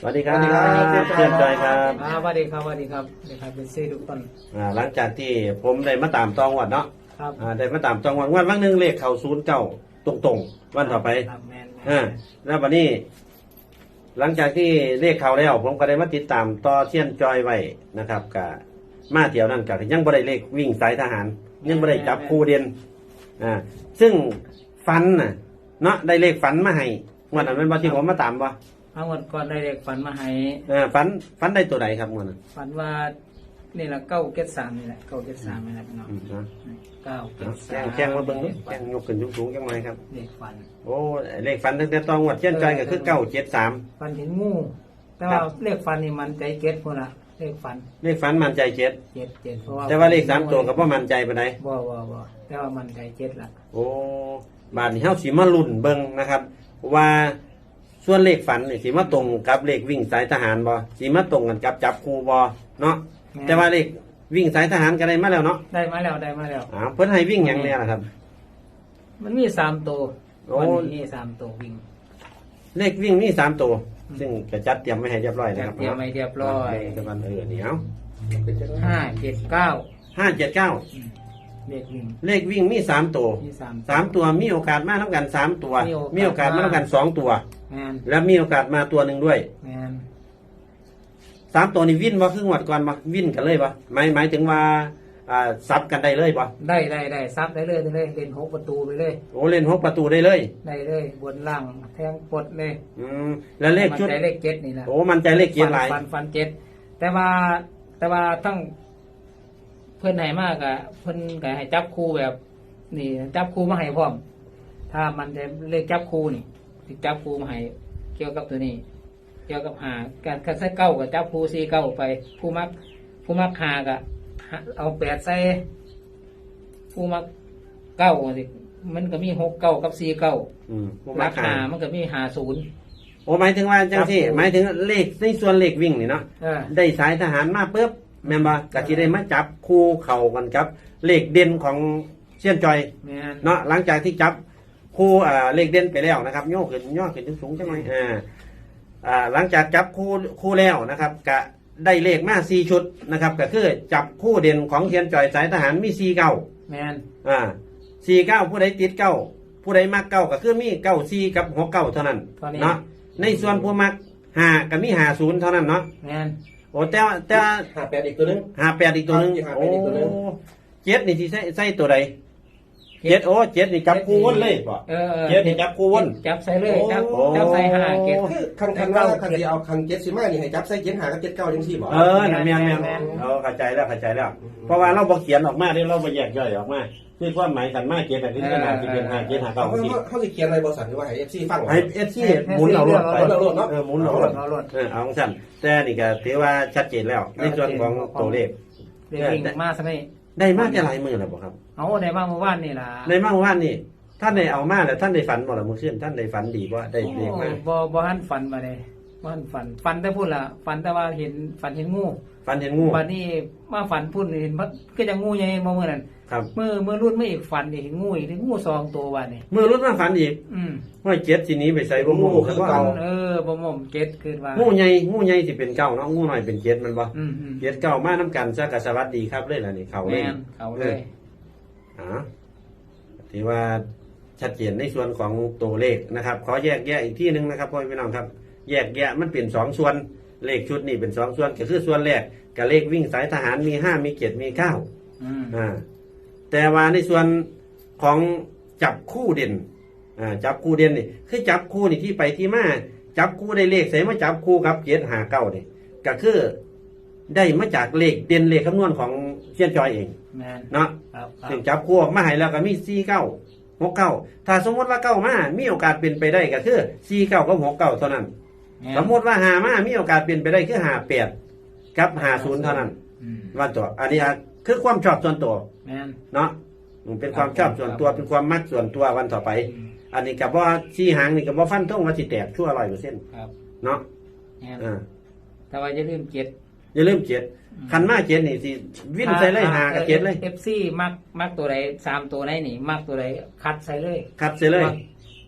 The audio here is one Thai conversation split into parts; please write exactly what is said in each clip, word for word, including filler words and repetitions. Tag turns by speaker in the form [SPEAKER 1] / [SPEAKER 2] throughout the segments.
[SPEAKER 1] สวัสดีครับเพื่อนจอยครับ
[SPEAKER 2] อ่าสวัสดีครับสวัสดีครับสวัสดีครับเป็นซี่ทุกคน
[SPEAKER 1] อ่าหลังจากที่ผมได้มาตามตองวัดเนาะ
[SPEAKER 2] ครับ
[SPEAKER 1] อ่าได้มาตามตองวัดวันวันหนึ่งเลขเข่าศูนย์เก้าตรงตรงๆวันต่อไป
[SPEAKER 2] ครับแมน
[SPEAKER 1] อ่าแล้ววันนี้ หลังจากที่เลขเข่าแล้ว ผมก็ได้มาติดตามต่อเชียนจอยไว้นะครับกับมาเที่ยวนั่นกับยังบ่ได้เลขวิ่งสายทหาร ยังบ่ได้จับคู่เด่นอ่าซึ่งฟันน่ะเนาะได้เลขฝันมาให้งวันนั้นเป็นวันที่ผมมาตามบ่
[SPEAKER 2] ทั้งหมดก่อนได้เด็กฝันมาให้
[SPEAKER 1] อ่าฝันฝันได้ตัวไหนครับงวันนั้น
[SPEAKER 2] ฝันว่านี่แหละเก้าเก็ดสามนี่แหละเก้าเก็ดสามนี่แหละพี่น้อง
[SPEAKER 1] อืมนะ
[SPEAKER 2] เก้าเก็ด
[SPEAKER 1] แจ้
[SPEAKER 2] สาม
[SPEAKER 1] งแจ้งมาเบิ่งดูแจ้งยกขึ้นสูงๆจังไรครับ
[SPEAKER 2] เด็กฝัน
[SPEAKER 1] โอ้เลขฝันตั้งแต่ตอนงวดเช่นจอยก็คือเก้าเจ็ดสาม
[SPEAKER 2] ฝันเห็นงูแต่ว่าเลขฝันนี่มันใจเก็ดคนละเลขฝัน
[SPEAKER 1] เลขฝันมันใจเจ็ด
[SPEAKER 2] เจ็ดเจ็ดเพราะว่า
[SPEAKER 1] แต่ว่าเลขสามตัวก็บ่มันใจปานใด
[SPEAKER 2] บ่บ่บ่แต่ว่ามันใจเจ็ดละ
[SPEAKER 1] โอ้บาดนี้เฮาสิมาลุ้นเบิ่งนะครับ ว่าส่วนเลขฝันนี่สิมาตรงกับเลขวิ่งสายทหารบ่สิมาตรงกันกับจับคู่บ่เนาะแต่ว่าเลขวิ่งสายทหารก็ได้มาแล้วเนาะ
[SPEAKER 2] ได้มาแล้วได้มาแล้ว
[SPEAKER 1] อ้าวเพิ่นให้วิ่งหยังแน่ล่ะครับ
[SPEAKER 2] มันมีสามตัว
[SPEAKER 1] โอ้
[SPEAKER 2] วันนี้มีสามตัววิ่ง
[SPEAKER 1] เลขวิ่งมีสามตัว ซึ่งก็จัดเตรียมไว้ให้เรียบร้อยนะครับ
[SPEAKER 2] เตรียมไว้เรียบร้อย
[SPEAKER 1] เดี๋ยวกันเออเดี๋ยว
[SPEAKER 2] ห้าเจ็ดเก้า
[SPEAKER 1] ห้าเจ็ดเก้า
[SPEAKER 2] เลขวิ่ง
[SPEAKER 1] เลขวิ่งมีสามตัว
[SPEAKER 2] มีสาม
[SPEAKER 1] สามตัวมีโอกาสมาเท่ากันสามตัว
[SPEAKER 2] มีโอกาส
[SPEAKER 1] มีโอกาสมาเท่ากันสองตัว
[SPEAKER 2] แมน
[SPEAKER 1] แล้วมีโอกาสมาตัวหนึ่งด้วย
[SPEAKER 2] แมน
[SPEAKER 1] สามตัวนี้วิ่นบ่ครึ่งวัดก่อนบ่วิ่นกันเลยบ่หมายหมายถึงว่าอ่าซับกันได้เลยบ่
[SPEAKER 2] ได้ได้ได้ซับได้เลยได้เลยเล่นหกประตูไปเลย
[SPEAKER 1] โอ้เล่นหกประตูได้เลย
[SPEAKER 2] ได้เลยบนล่างแทงปลดเลย
[SPEAKER 1] อืมแล้วเลขชุด
[SPEAKER 2] มันใจเลขเจ็ดนี่แหละ
[SPEAKER 1] โอ้มันใจเลขเกียร์หลาย
[SPEAKER 2] ฟันฟันเจ็ดแต่ว่าแต่ว่าทั้งเพื่อนไหนมากอะเพื่อนก็ให้จับคู่แบบ นี่จับคู่มาให้พร้อม ถ้ามันจะเลขจับคู่นี่ที่จับคู่มาให้เกี่ยวกับตัวนี้ เกี่ยวกับหาการคัดใส่เก้ากับจับคู่สี่เก้าไป ผู้มัก ผู้มักหากับเอาแปดใส่ผู้มักเก้าสิมันก็มีหกเก้ากับสี่เก้า
[SPEAKER 1] อืมบ่
[SPEAKER 2] รา
[SPEAKER 1] มา
[SPEAKER 2] คา
[SPEAKER 1] ขาย
[SPEAKER 2] มันก็มีหาศูนย์
[SPEAKER 1] โอ้หมายถึงว่าจังซี่
[SPEAKER 2] ครับ
[SPEAKER 1] หมายถึงเลขในส่วนเลขวิ่งนี่เนาะ
[SPEAKER 2] เออ
[SPEAKER 1] ได้สายทหารมาปุ๊บแม่นบ่ก็สิได้มาจับคู่เข้ากันครับ เลขเด่นของเชียนจอย
[SPEAKER 2] แม่น
[SPEAKER 1] เนาะหลังจากที่จับคู่อ่าเลขเด่นไปแล้วนะครับโยกขึ้นย่อขึ้นสูงๆจังหน่อยอ่าอ่าหลังจากจับคู่คู่แล้วนะครับก็ได้เลขมาสี่ชุดนะครับก็คือจับคู่เด่นของเทียนจอยสายทหารมีสี่เก้า
[SPEAKER 2] แมน
[SPEAKER 1] อ่าสี่เก้าผู้ใดติดเก้าผู้ใดมักเก้าก็คือมีเก้าสี่กับหกเก้าเท่านั้น
[SPEAKER 2] ตอนนี้
[SPEAKER 1] เนาะในส่วนผู้มักห้าก็มีห้าศูนย์เท่านั้นเนาะ
[SPEAKER 2] แมน
[SPEAKER 1] โอ้แต่ว่าแต่ว่า
[SPEAKER 3] หาแปดอีกตัวนึง
[SPEAKER 1] ห้าแปดอีกตัวหนึง
[SPEAKER 3] ครับ
[SPEAKER 1] โอ้
[SPEAKER 3] ห้าแปดอีกตัวหนึ่ง
[SPEAKER 1] เจ็ดนี่ที่ใส่ใส่ตัวใดเจ็ดโอ้เจ็ดนี่จับคู่วนเลยป่ะ
[SPEAKER 2] เออออ
[SPEAKER 1] เจ็ดนี่จับคู่วน
[SPEAKER 2] จับใส่เลยจับ
[SPEAKER 1] โอ้
[SPEAKER 2] จับใส่ห้าเก็บ
[SPEAKER 3] คือคันคันว่าคันที่เอาคันเจ็ดสิบห้านี่ให้จับใส่เจ็ดหากับเจ็ดเก้าจังสี่บ่
[SPEAKER 1] เออนั่นแม่นแม่น
[SPEAKER 2] แม่น
[SPEAKER 1] เออเข้าใจแล้วเข้าใจแล้ว เพราะว่าเราบ่เขียนออกมาเด้เราบ่แยกย่อยออกมาคือความหมายกันมาเจ็ดน่ะคือขนาดที่เป็นห้าเจ็ดห้า
[SPEAKER 3] เขา
[SPEAKER 1] เก้าสิ
[SPEAKER 3] เขาเขาจะเขียนอะไรบริษัทหรือว่าให้เอฟซีฟังเหรอ
[SPEAKER 1] ให้เอฟซีหมุนเอารถไป
[SPEAKER 3] หมุนเอารถเนาะ
[SPEAKER 1] เออหมุนเอารถ
[SPEAKER 2] เอารถ
[SPEAKER 1] เออเอาของฉันแต่นี่ก็ถือว่าชัดเจนแล้ว ในส่วนของตัวเลข
[SPEAKER 2] เดี๋ยววิ่งมาซะนี่
[SPEAKER 1] ได้มากจะหลายมือแล้วบ่ครับ
[SPEAKER 2] เอาได้บ้างเมื่อวานนี่ล่ะ
[SPEAKER 1] ในมากว่านนี่ท่านได้เอามาแล้วท่านได้ฝันบ่ล่ะมื้อคืนท่านได้ฝันดีบ่ได้เลขมา
[SPEAKER 2] โอ้บ่บ่หันฝันมาเลยบ่หันฝันฝันแต่พูดล่ะฝันแต่ว่าเห็นฝันเห็นงู
[SPEAKER 1] ฝันเห็นงู
[SPEAKER 2] วันนี้มาฝันพูดเห็นมันก็จะงูใหญ่มาเมื่อนั้น
[SPEAKER 1] ครับ
[SPEAKER 2] เมื่อเมื่อรุ่นไม่อีกฝันนี่เห็นงูอีกงูสองตัววันนี้
[SPEAKER 1] มือรุ่นมาฝันอีก
[SPEAKER 2] อืม
[SPEAKER 1] ว่าเจ็ดทีนี้ไปใส่บ่งูคือว่า
[SPEAKER 2] เออบ่หม่อมเก็ตคือว่า
[SPEAKER 1] งูใหญ่งูใหญ่สิเป็นเก้าเนาะงูน้อยเป็นเจ็ดมันบ่
[SPEAKER 2] อืมอืม
[SPEAKER 1] เจ็ดเก้ามานํกันซะก็สวัสดีครับเลยล่ะนี่เขาเลย
[SPEAKER 2] แม่นเขาเลย
[SPEAKER 1] อ๋อถือว่าชัดเจนในส่วนของตัวเลขนะครับ ขอแยกแยะอีกที่หนึ่งนะครับพ่อพี่น้องครับ แยกแยะมันเป็นสองส่วนเลขชุดนี่เป็นสองส่วนก็คือส่วนแรกกับเลขวิ่งสายทหารมีห้ามีเจ็ดมีเก้า
[SPEAKER 2] อืม
[SPEAKER 1] อ่าแต่ว่าในส่วนของจับคู่เด่นอ่าจับคู่เด่นนี่คือจับคู่นี่ที่ไปที่มาจับคู่ได้เลขใส่มาจับคู่กับเจ็ดหาเก้านี่ก็คือได้มาจากเลขเด่นเลขคำนวณของเชียนจอยเอง
[SPEAKER 2] แม่น
[SPEAKER 1] เนาะ
[SPEAKER 2] ครับครั
[SPEAKER 1] ซึ่
[SPEAKER 2] บ
[SPEAKER 1] งจับคู่ออกมาให้แล้วก็มีสี่เก้าหกเก้าถ้าสมมติว่าเก้ามามีโอกาสเป็นไปได้ก็คือสี่เก้ากับหกเก้าเท่านั้น
[SPEAKER 2] แม่น
[SPEAKER 1] สมมติว่าหามามีโอกาสเป็นไปได้คือหาแปดกับหาศูนย์เท่านั้น
[SPEAKER 2] อืม
[SPEAKER 1] ว่าตัวอันนี้อ่ะคือความชอบส่วนตัว
[SPEAKER 2] แม่น
[SPEAKER 1] เนาะมันเป็นความชอบส่วนตัวเป็นความมักส่วนตัววันต่อไป
[SPEAKER 2] อืม
[SPEAKER 1] อันนี้กับว่าชี้หางนี่กับว่าฟันท่งว่าสิแตกชั่วร้อยเปอร์เซ็นต์
[SPEAKER 2] ครับ
[SPEAKER 1] เนาะ
[SPEAKER 2] แม่น
[SPEAKER 1] อ่า
[SPEAKER 2] แต่ว่าอย่าลืมเก็ต
[SPEAKER 1] อย่าลืมเจ็ดคันมาเจ็ดนี่สิวิ่นใส่เลยหากับเจ็ดเลย
[SPEAKER 2] เอฟซีมักมักตัวใดสามตัวไหนนี่ มักตัวใดคัดใส่เลย
[SPEAKER 1] คัดใส่เลย
[SPEAKER 2] มัก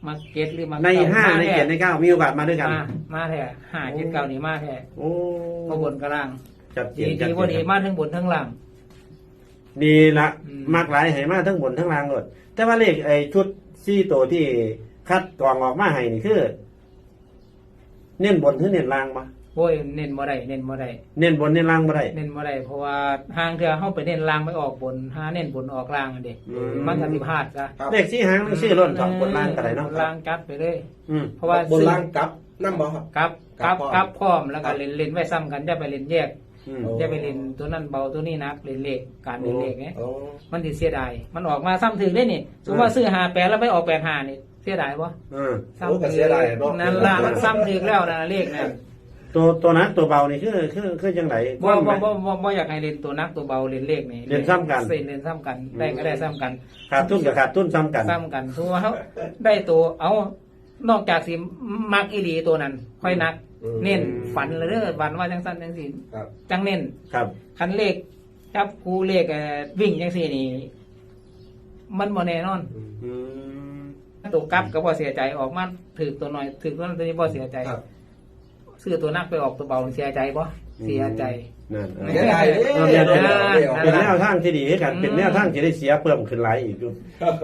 [SPEAKER 2] มาเก็ตหรือมา
[SPEAKER 1] ในห้าใน
[SPEAKER 2] แท้
[SPEAKER 1] เจ็ดในเก้ามีโอกาสมาด้วยกัน
[SPEAKER 2] มามาแท้ห้าเจ็ดเก้านี่มาแท้
[SPEAKER 1] โอ้
[SPEAKER 2] พอบนกระล่าง
[SPEAKER 1] จัดเจ
[SPEAKER 2] ดี
[SPEAKER 1] นจัด
[SPEAKER 2] ดี
[SPEAKER 1] เจ
[SPEAKER 2] ว่าดี
[SPEAKER 1] น
[SPEAKER 2] มาทั้งบนทั้งล่าง
[SPEAKER 1] ดีละ
[SPEAKER 2] อืม
[SPEAKER 1] มากหลายให้มาทั้งบนทั้งล่างหมดแต่ว่าเลขไอ้ชุดซี่ตัวที่คัดกรองออกมาให้นี่คือ เน้นบนหรือเน้นล่างมา
[SPEAKER 2] โอ้ยเน้นบ่ได้เน้นบ่ได้
[SPEAKER 1] เน้นบนเน้นล่างบ่ได้
[SPEAKER 2] เน้นบ่ได้เพราะว่าทางเธอเฮาไปเน้นล่างไม่ออกบนหาเน้นบนออกล่างอันเด้
[SPEAKER 1] อืม
[SPEAKER 2] มันก็สิพลาดซะ
[SPEAKER 3] ครับ
[SPEAKER 1] เลขสี่หางมันชื่อล้นสองบนล่างก็ได้เนาะ
[SPEAKER 2] บนล่างจัดไปเลย
[SPEAKER 1] อืม
[SPEAKER 2] เพราะว่า
[SPEAKER 3] บนล่างกลับน้ำบ่ครับ
[SPEAKER 2] กับกับ
[SPEAKER 3] กลับพร้อม
[SPEAKER 2] กับพร้อมแล้วก็เล่นเล่นไว้ซ้ำกันอย่าไปเล่นแยก
[SPEAKER 1] อืม
[SPEAKER 3] โอ้
[SPEAKER 2] อย่าไปเล่นตัวนั้นเบาตัวนี้หนักเล่นเลขการเล่นเลขไง
[SPEAKER 3] โอ้
[SPEAKER 2] มันสิเสียดายมันออกมาซ้ำถึงได้นี่สมมติว่าซื้อห้าแปดแล้วไปออกแปดห้านี่เสียดายบ่
[SPEAKER 1] อืม
[SPEAKER 3] โอ้ก็เสียดายเนาะ
[SPEAKER 2] นั่นล่ะมันซ้ำถึงแล้วนะเลขนั่น
[SPEAKER 1] ตัวตัวนั้นตัวเบานี่คือคือคือจังได
[SPEAKER 2] บ่บ่บ่บ่บ่อยากให้เล่นตัวนักตัวเบาเล่นเลขนี่
[SPEAKER 1] เล่นซ้ำกัน
[SPEAKER 2] เล่นซ้ำกันได้ก็ได้ซ้ำกัน
[SPEAKER 1] ขาดทุนกับขาดทุนซ้ำกัน
[SPEAKER 2] ซ้ำกันสมมุติว่าเขาได้ตัวเอานอกจากสิมักอีหลีตัวนั้น ค่อยนัก เน้นฝันเลยเด้อฝันว่าจังสั้นจังสี่
[SPEAKER 3] ครับ
[SPEAKER 2] จังเน้น
[SPEAKER 1] ครับ
[SPEAKER 2] คันเลขจับคูเลขเอ่อวิ่งจังสี่นี่ มันบ่แน่นอน
[SPEAKER 1] อืม
[SPEAKER 2] ตัวกลับก็บ่เสียใจออกมาถือตัวหน่อยถือตัวนั้นตัวนี้บ่เสียใจ
[SPEAKER 3] ครับ
[SPEAKER 2] ซื้อตัวนักไปออกตัวเบาเสียใจบ่เสียใจ
[SPEAKER 1] นั่น
[SPEAKER 2] ไม่
[SPEAKER 3] เสียดายเด้
[SPEAKER 1] เออเดี๋ยวเดี๋ยวเดี๋ยว
[SPEAKER 3] เดี๋ยว
[SPEAKER 1] เป็นแนวทางที่ดีให้กัน
[SPEAKER 2] อืม
[SPEAKER 1] เป็นแนวทางที่ได้เสียเพิ่มขึ้นหลายอีกอยู่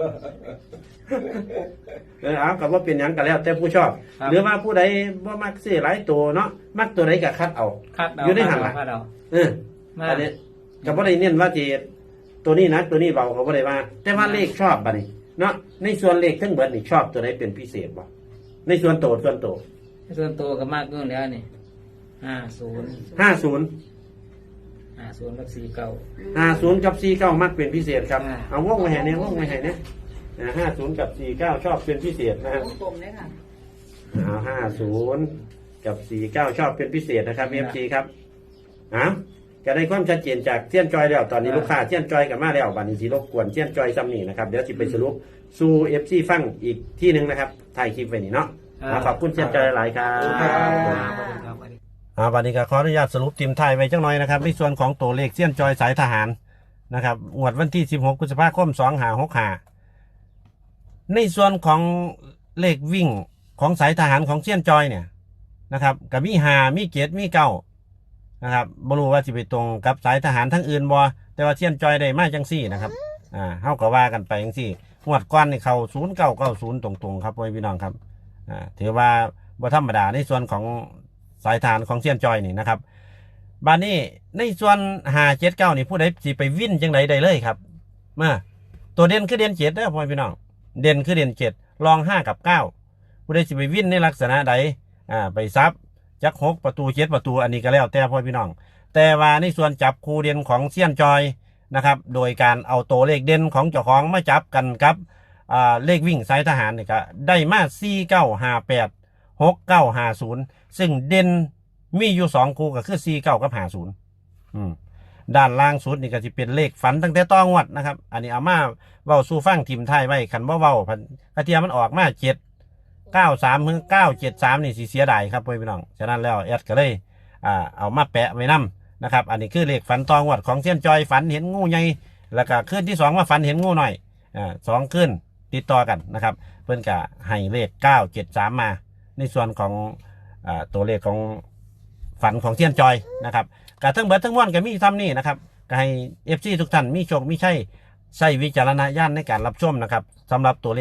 [SPEAKER 1] เออเอากับว่าเป็นหยังกันแล้ว แต่ผู้ชอบ
[SPEAKER 2] ครับ
[SPEAKER 1] หรือว่าผู้ใดว่ามักซื้อหลายตัวเนาะมักตัวใดก็คัดเอา
[SPEAKER 2] คัดเอา
[SPEAKER 1] อยู่ในหันล่ะ
[SPEAKER 2] คัดเอา
[SPEAKER 1] เออ
[SPEAKER 2] มา
[SPEAKER 1] อันนี้กับว่าได้เน้นว่าจีตัวนี้นะตัวนี้เบาเขาบ่ได้ว่า แต่ว่าเลขชอบบัดนี้ เนาะในส่วนเลขทั้งเบิดนี่ชอบตัวใดเป็นพิเศษบ่ในส่วนโตส่วนโต
[SPEAKER 2] ส่วนตัวก็มากเกินแล้วนี่ห้าศูนย์
[SPEAKER 1] ห้าศูนย์
[SPEAKER 2] ห้าศูนย์กับสี่เก้า
[SPEAKER 1] ห้าศูนย์กับสี่เก้ามักเป็นพิเศษครับ
[SPEAKER 2] อ่า
[SPEAKER 1] เอาวงไว้ให้เนี่ยวงไว้ให้เนี่ยห้าศูนย์กับสี่เก้าชอบเป็นพิเศษนะฮะ
[SPEAKER 4] วงกลมเลยค่ะ
[SPEAKER 1] เอาห้าศูนย์กับสี่เก้าชอบเป็นพิเศษนะครับเอฟซีครับอ้าวจะได้ความชัดเจนจากเทียนจอยแล้วตอนนี้ลูกค้าเทียนจอยกันมาแล้วบัดนี้สิรบกวนเทียนจอยซ้ำนี่นะครับเดี๋ยวสิไปสรุปสู่เอฟซีฟังอีกที่หนึ่งนะครับถ่ายคลิปไว้นี่เนาะอ่าขอบคุณเทียนจอยหลายครับ
[SPEAKER 3] ครับ
[SPEAKER 2] ครับ
[SPEAKER 1] อ่าวันนี้ก็ขออนุญาตสรุปทีมไทยไว้จังหน่อยนะครับในส่วนของตัวเลขเสี้ยนจอยสายทหารนะครับงวดวันที่สิบหกพฤษภาคมสองห้าหกห้าในส่วนของเลขวิ่งของสายทหารของเสี้ยนจอยเนี่ยนะครับกับมีหามีเกียรติมีเก้านะครับบรู้ว่าสิไปตรงกับสายทหารทั้งอื่นบ่แต่ว่าเสี้ยนจอยได้มาจังซี่นะครับอ่าเฮาก็ว่ากันไปจังซี่งวดก้อนนี่เข้าศูนย์เก้าเก้าศูนย์ตรงๆครับพ่อพี่น้องครับอ่าถือว่าบ่ธรรมดาในส่วนของสายทหารของเซียนจอยนี่นะครับบานนี้ในส่วนหาเจ็ดเก้านี่ผู้ใดสิไปวิ่นจังไดได้เลยครับมาตัวเด่นคือเด่นเจ็ดเด้อพ่อพี่น้องเด่นคือเด่นเจ็ดรองห้ากับเก้าผู้ใดสิไปวิ่นในลักษณะใดอ่าไปซับจักหกประตูเจ็ดประตูอันนี้ก็แล้วแต่พ่อพี่น้องแต่ว่าในส่วนจับคู่เด่นของเซียนจอยนะครับโดยการเอาตัวเลขเด่นของเจ้าของมาจับกันครับอ่าเลขวิ่งสายทหารนี่ก็ได้มาสี่เก้าห้าแปดหกเก้าห้าศูนย์ซึ่งเด่นมีอยู่สองคู่ก็คือสี่เก้ากับห้าศูนย์ด้านล่างสุดนี่ก็จะเป็นเลขฝันตั้งแต่ต้องวัดนะครับ อันนี้เอามาเว้าสู่ฟังทีมไทยไว้ขันว่าเว้าพันกระเทียมมันออกมาเจ็ดเก้าสามถึงเก้าเจ็ดสามนี่สิเสียดายครับพี่น้องฉะนั้นแล้วแอดก็เลยอ่าเอามาแปะไว้นำนะครับ อันนี้คือเลขฝันตองวัดของเส้นจอยฝันเห็นงูใหญ่แล้วก็ขึ้นที่สองมาฝันเห็นงูหน่อยอ่าสองขึ้นติดต่อกันนะครับเพื่อนกะให้เลขเก้าเจ็ดสามมาในส่วนของอ่าตัวเลขของฝันของเทียนจอยนะครับกะทั้งเบิดทั้งม้วนก็มีทำนี่นะครับก็ให้เอฟซีทุกท่านมีโชคมีชัยใช้วิจารณญาณในการรับชมนะครับสำหรับตัวเลข